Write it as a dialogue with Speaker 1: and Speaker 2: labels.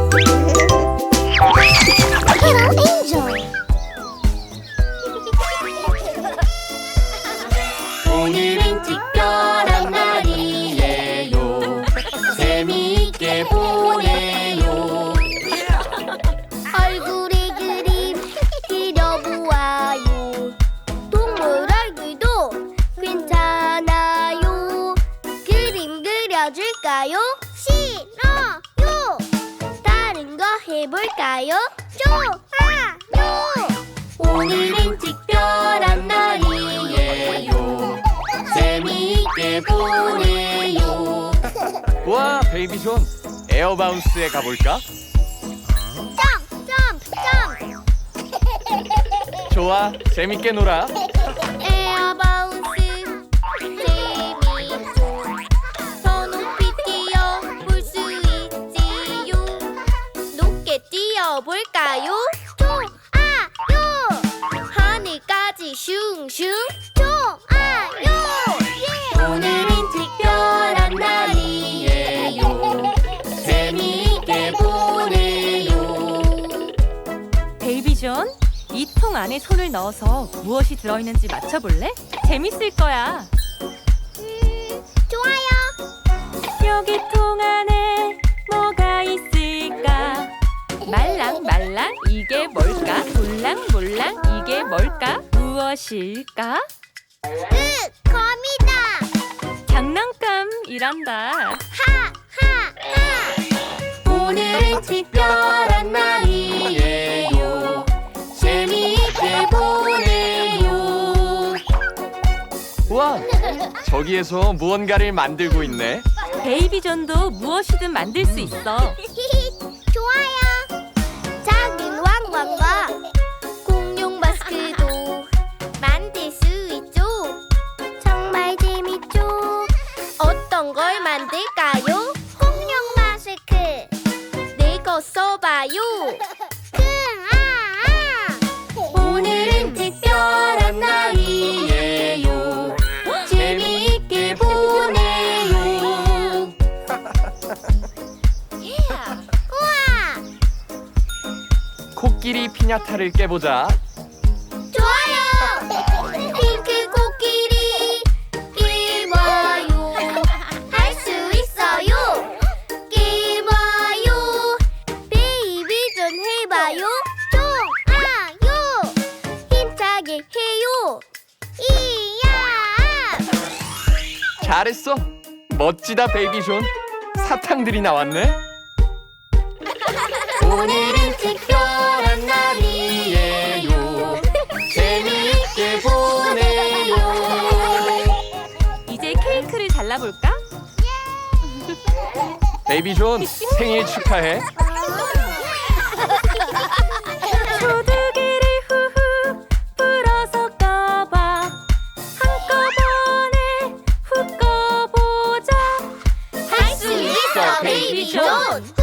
Speaker 1: 오늘은 특별한 날이에요. 재미있게 보내요.
Speaker 2: 얼굴에 그림 그려보아요. 동물 얼굴도 괜찮아요. 그림 그려줄까요? 싫어요. 다른 거 해볼까요? 좋아요.
Speaker 1: 오늘은 특별한 날이에요. 재미있게 보내요.
Speaker 3: 와, 베이비 존, 에어바운스에 가볼까?
Speaker 2: 점프.
Speaker 3: 좋아, 재밌게 놀아.
Speaker 2: 에어바운스 재미있죠. 더 높이 뛰어볼 수 있지요. 높게 뛰어볼까요? 좋아요. 하늘까지 슝슝. 좋아요.
Speaker 1: 오늘은 특별한 날이에요. 재미있게 보내요.
Speaker 4: 베이비 존, 이 통 안에 손을 넣어서 무엇이 들어있는지 맞춰볼래? 재밌을 거야.
Speaker 2: 좋아요.
Speaker 4: 여기 통 안에 뭐가 있을까? 말랑말랑 이게 뭘까? 몰랑몰랑 이게 뭘까? 무엇일까?
Speaker 2: 거미다.
Speaker 4: 장난감이란다.
Speaker 1: 오늘은 특별한 날이에요. 재미있게 보내요.
Speaker 3: 와, 저기에서 무언가를 만들고 있네.
Speaker 4: 베이비 존도 무엇이든 만들 수 있어.
Speaker 2: 좋아요. 작은 왕관과 공룡 마스크도 만들 수 있죠. 정말 재밌죠. 어떤 걸 만들까요? 공룡 마스크. 내거 써봐요.
Speaker 1: 오늘은 특별한 날이에요. 재미있게 보내요.
Speaker 2: 우와.
Speaker 3: 코끼리 피냐타를 깨보자.
Speaker 2: 좋아요. 핑크 코끼리 깨봐요. 할 수 있어요. 깨봐요. 베이비 좀 해봐요. 좋아요. 힘차게 해요. 이야.
Speaker 3: 잘했어. 멋지다, 베이비 존. 사탕들이 나왔네.
Speaker 1: 오늘은 특별한 날이에요. 재미있게 보내요.
Speaker 4: 이제 케이크를 잘라볼까?
Speaker 3: 베이비 존, 생일 축하해.
Speaker 4: 소두기를 후후 불어서 꺼봐. 한꺼번에 훅 꺼보자.
Speaker 2: 할 수 있어, 베이비 존.